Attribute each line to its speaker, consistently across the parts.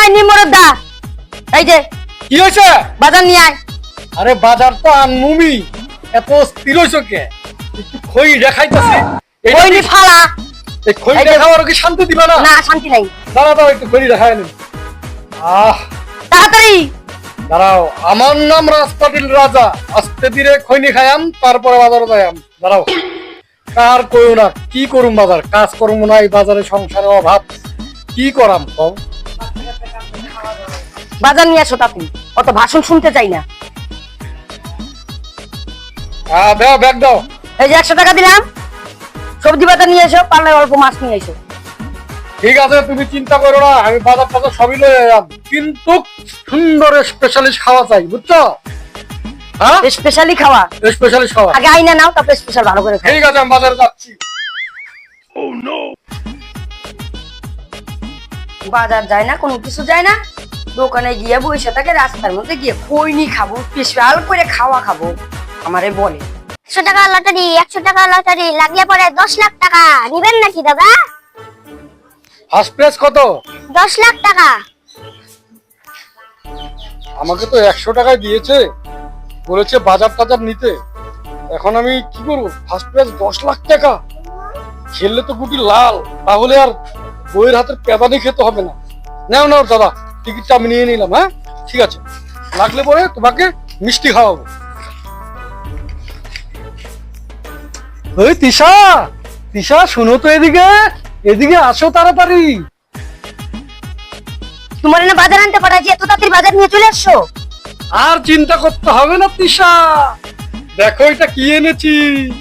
Speaker 1: নিমরদ দা, এই যে
Speaker 2: কি হয়েছে?
Speaker 1: বাজার নিয়ে আয়।
Speaker 2: আরে বাজার তো আনমুমি, এত স্থির হয়েছো কে? একটু খই দেখাইতেছি।
Speaker 1: কইনি ফালা।
Speaker 2: এই খই
Speaker 1: এই যে-
Speaker 2: দেখাবার কি শান্তি দিবা না?
Speaker 1: না শান্তি নাই।
Speaker 2: দাঁড়াও দাঁড়াও, একটু খই দেখাই নিন।
Speaker 1: তাড়াতাড়ি।
Speaker 2: দাঁড়াও, আমার নাম রাজপাটিল রাজা। আস্তে ধীরে খৈনি খায়াম, তারপরে বাজারে যাইয়াম। দাঁড়াও, কার কইও না, কি করুম বাজার, কাজ করবো না, এই বাজারে সংসারের অভাব, কি করাম কম।
Speaker 1: বাজার নিয়ে আসো তাড়াতাড়ি, অত ভাষণ শুনতে চাই না।
Speaker 2: দাও, ব্যাগ দাও।
Speaker 1: এই যে 100 টাকা দিলাম, সবজি বাজার নিয়ে এসো, পারলে অল্প মাছ নিয়ে এসো।
Speaker 2: ঠিক আছে, তুমি চিন্তা করো না, আমি বাজার টাজার সবই লয়ে এলাম, কিন্তু সুন্দর স্পেশালিস্ট খাওয়া চাই, বুঝছো? হ্যাঁ,
Speaker 1: স্পেশালি খাওয়া।
Speaker 2: স্পেশালিস্ট খাওয়া।
Speaker 1: আগে আইনা নাও, তারপর স্পেশাল ভালো করে খাও।
Speaker 2: ঠিক আছে, আমি বাজারে যাচ্ছি।
Speaker 1: বাজার যায় না, কোনো কিছু যায় না, দোকানে গিয়ে বসে থাকে, রাস্তার মধ্যে গিয়ে খৈনি খাবো, স্পেশাল করে খাওয়া খাবো, আমারে বলে।
Speaker 3: 100 টাকা লটারি, 100 টাকা লটারি লাগলে পরে 10 লাখ টাকা নিবেন নাকি দাদা?
Speaker 2: ফার্স্ট প্রাইজ কত?
Speaker 3: 10 লাখ টাকা।
Speaker 2: আমাকে তো 100 টাকায় দিয়েছে, বলেছে বাজার টাজার নিতে। এখন আমি কি করবো? ফার্স্ট প্রাইজ 10 লাখ টাকা, খেললে তো গুটি লাল, তাহলে আর বইয়ের হাতের পেদানি খেতে হবে না। নাও নাও দাদা, টিকিটটা আমি নিয়ে নিলাম। হ্যাঁ ঠিক আছে, লাগলে পরে তোমাকে মিষ্টি খাওয়াবো। ওই তিশা, তিশা শুনো তো, এদিকে এদিকে আসো তাড়াতাড়ি।
Speaker 1: তোমার না বাজার আনতে পাঠাচ্ছি, এত তাড়াতাড়ি বাজার নিয়ে চলে আসছো?
Speaker 2: আর চিন্তা করতে হবে না তিশা, দেখো এটা কি এনেছি।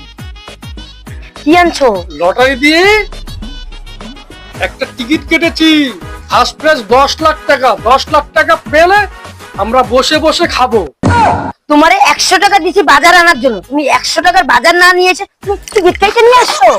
Speaker 1: কি আনছো?
Speaker 2: লটারি দিয়ে একটা টিকিট কেটেছি, ফার্স্ট প্রাইজ 10 লাখ টাকা। 10 লাখ টাকা পেলে আমরা বসে বসে খাবো।
Speaker 1: তোমারে 100 টাকা দিছি বাজার আনার জন্য, তুমি 100 টাকার বাজার না নিয়ে এসে তুমি টিকিট কেটে নিয়ে আসছো।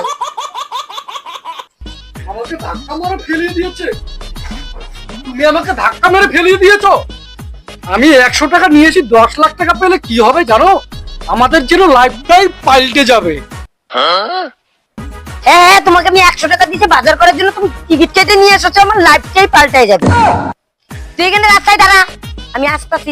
Speaker 2: আমাকে ধাক্কা মেরে ফেলিয়ে দিয়েছে, তুমি আমাকে ধাক্কা মেরে ফেলিয়ে দিয়েছো। আমি 100 টাকা নিয়েছি, 10 লাখ টাকা পেলে কি হবে জানো? আমাদের যেন লাইফটাই পাল্টে যাবে।
Speaker 1: হ্যাঁ হ্যাঁ, তোমাকে আমি 100 টাকা দিছি বাজার করার জন্য, তুমি টিকিট কেটে নিয়ে এসেছো, আমার লাইফটাই পাল্টাই যাবে। তুই এখানে রাস্তায় দাঁড়া, আমি আসতেছি।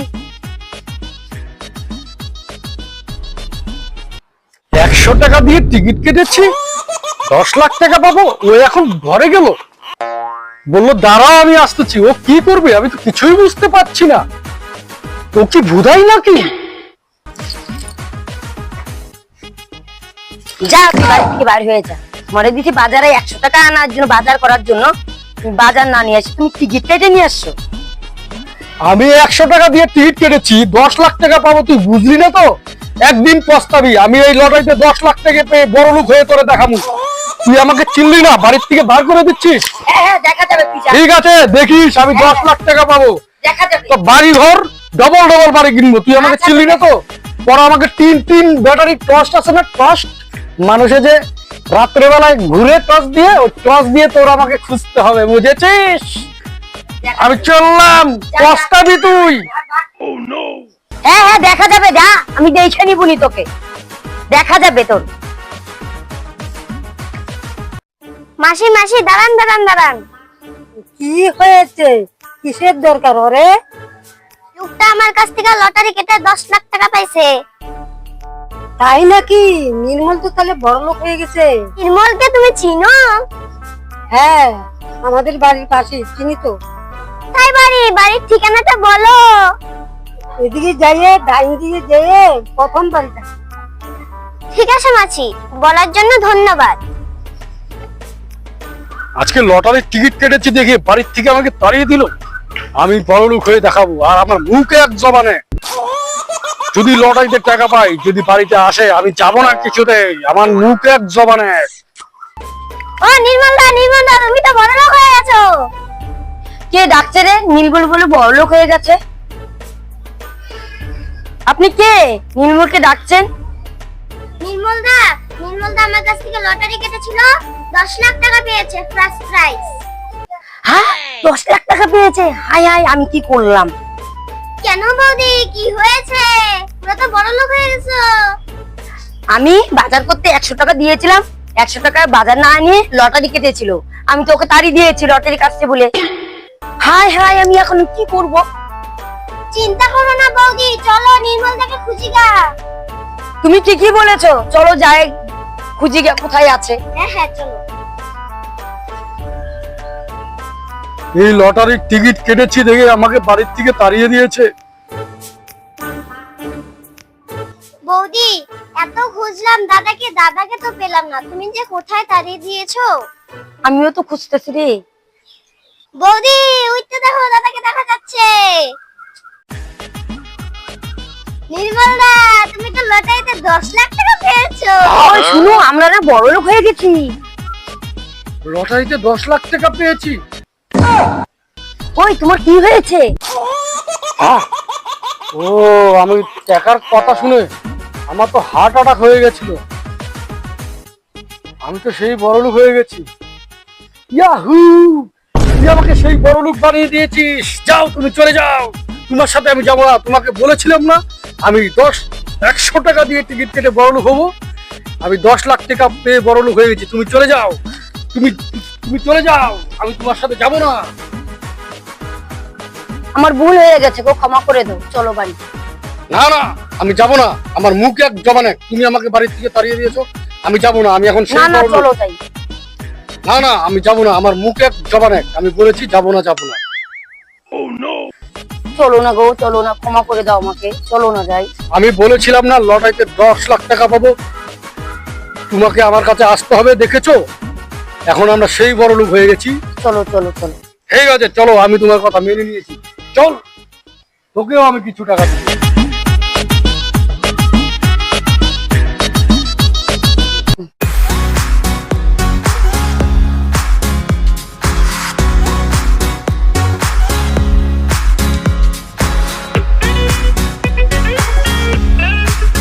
Speaker 2: 100 টাকা দিয়ে টিকিট কেটেছি, 10 লাখ টাকা পাবো। ও এখন ঘরে গেল, বললো দাঁড়াও আমি আসতেছি। ও কি করবে আমি তো কিছুই বুঝতে পারছি না। ও কি ভুধাই নাকি?
Speaker 1: যা, তুই বাড়ি থেকে বাইরে হয়ে যা। তোমারে দিছি বাজারে 100 টাকা আনার জন্য, বাজার করার জন্য, তুমি বাজার না নিয়ে আসি, তুমি টিকিট কেটে নিয়ে আসছো।
Speaker 2: আমি 100 টাকা দিয়ে টিকিট কেটেছি, 10 লাখ টাকা পাবো, তুই বুঝলি না তো? একদিন পস্তাবি। আমি এই লটারিতে 10 লাখ টাকা পেয়ে বড় লোক হয়ে তোরে দেখাবো। তুই আমাকে চিনলি না, বাড়ির থেকে বার করে দিচ্ছিস।
Speaker 1: হ্যাঁ হ্যাঁ, দেখা যাবে, তুই যা,
Speaker 2: ঠিক আছে, দেখিস আমি 10 লাখ টাকা পাবো।
Speaker 1: দেখা যাবে।
Speaker 2: তো বাড়ি ঘর ডবল ডবল বাড়ি কিনবো। তুই আমাকে চিনলি না তো? পরে আমাকে তিন ব্যাটারি টর্চ আছে না, টর্চ, মানুষে যে রাত্রেবেলায় ঘুরে টর্চ দিয়ে, ওই টর্চ দিয়ে তোর আমাকে খুঁজতে হবে, বুঝেছিস? আমি চললাম, পস্তাবি তুই।
Speaker 1: হ্যাঁ হ্যাঁ, দেখা যাবে, যা, আমি দেখে নিবনি তোকে, দেখা যাবে তোর।
Speaker 3: মাসি মাসি দাঁড়ান দাঁড়ান দাঁড়ান।
Speaker 1: কি হয়েছে? কিসের দরকার ওরে?
Speaker 3: লোকটা আমার কাছ থেকে লটারি কেটে 10 লাখ টাকা পাইছে।
Speaker 1: তাই নাকি? নির্মল তো তাহলে বড় লোক হয়ে গেছে।
Speaker 3: নির্মলকে তুমি চিনো?
Speaker 1: হ্যাঁ, আমাদের বাড়ির পাশে, চিনি তো।
Speaker 3: তাই বাড়ির ঠিকানাটা বলো।
Speaker 1: এদিকে যাইয়ে, ডাইন দিকে যেয়ে প্রথম বাড়িটা।
Speaker 3: ঠিক আছে মাসি, বলার জন্য ধন্যবাদ।
Speaker 2: আজকে লটারির টিকিট কেটেছি দেখে বাড়ির থেকে আমাকে তাড়িয়ে দিল। আমি বড় লোক হয়ে দেখাবো, আর আমার মুখে এক জবানে। যদি লটারিতে টাকা পাই, যদি বাড়িতে আসে, আমি যাবো না কিছুতেই। আমার মুখে এক জবানে।
Speaker 3: ও নির্মল দা তুমি তো বড় লোক হয়ে গেছো।
Speaker 1: কে ডাকছে রে? নীলমল বলে বড় লোক হয়ে গেছে? আপনি কে? নীলমলকে ডাকছেন?
Speaker 3: নির্মল দা আমার কাছ থেকে লটারি কেটেছিল, 10 লাখ টাকা পেয়েছে ফার্স্ট প্রাইজ।
Speaker 1: হ্যাঁ, 10 লাখ টাকা পেয়েছে? হাই হাই, আমি কি করলাম?
Speaker 3: কেন বৌদি, কি হয়েছে? পুরো তো বড় লোক হয়ে গেছো।
Speaker 1: আমি বাজার করতে 100 টাকা দিয়েছিলাম, 100 টাকার বাজার না নিয়ে লটারি কেটেছিল। আমি তো ওকে তাড়ি দিয়েছি লটারি কাটছে বলে। হায় হায়, আমি এখন কি করব?
Speaker 3: চিন্তা করো না বৌদি, চলো নির্মল দাকে খুঁজি গা।
Speaker 1: তুমি ঠিকই বলেছো, চলো যাই খুঁজি গিয়ে কোথায় আছে।
Speaker 3: হ্যাঁ হ্যাঁ চলো।
Speaker 2: এই লটারির টিকিট কেটেছি দেখে আমাকে বাড়ির থেকে তাড়িয়ে দিয়েছে।
Speaker 3: বৌদি এত খুঁজলাম দাদাকে, দাদাকে তো পেলাম না, তুমি যে কোথায় তাড়িয়ে দিয়েছো।
Speaker 1: আমিও তো খুঁজতেছি রে।
Speaker 3: বৌদি উঠতে দেখো, দাদাকে দেখা যাচ্ছে। নির্মল দা, তুমি তো লটারিতে 10 লাখ টাকা পেয়েছো।
Speaker 1: ওই শুনো, আমরা না বড় লোক হয়ে গেছি।
Speaker 2: লটারিতে 10 লাখ টাকা পেয়েছি।
Speaker 1: ওই তোমার কি হয়েছে?
Speaker 2: আহ! ও, আমি টাকার কথা শুনে আমার তো হার্ট অ্যাটাক হয়ে গেছিল। আমি তো সেই বড়লোক হয়ে গেছি। ইয়াহু! তুই আমাকে সেই বড়লোক বানিয়ে দিয়েছিস। যাও, তুমি চলে যাও। তোমার সাথে আমি যাবো না। তোমাকে বলেছিলাম না আমি 100 টাকা দিয়ে টিকিট কেটে বড়লোক হবো। আমি 10 লাখ টাকা পেয়ে বড়লোক হয়ে গেছি। তুমি চলে যাও। তুমি তুমি চলে যাও। আমি তোমার সাথে যাবো না।
Speaker 1: আমার ভুল হয়ে গেছে গো, ক্ষমা করে দাও, চলো বাড়ি।
Speaker 2: না না, আমি যাব না। আমার মুখ এক জবান এক। তুমি আমাকে বাড়ির থেকে তাড়িয়ে দিয়েছো। আমি যাব না। আমি এখন
Speaker 1: না
Speaker 2: সেই
Speaker 1: না,
Speaker 2: বড়লোক।
Speaker 1: চলো যাই।
Speaker 2: না না, আমি যাব না। আমার মুখ এক জবান এক। আমি বলেছি যাব না, যাব না।
Speaker 1: চলো না গো, চলো না, ক্ষমা করে দাও আমাকে, চলো না যাই।
Speaker 2: আমি বলেছিলাম না লটারিতে 10 লাখ টাকা পাবো। তোমাকে আমার কাছে আসতে হবে, দেখেছো? এখন আমরা সেই বড়লোক হয়ে গেছি।
Speaker 1: চলো চলো চলো।
Speaker 2: ঠিক আছে, চলো। আমি তোমার কথা মেনে নিয়েছি। চল, তোকেও আমি কিছু টাকা দেবো।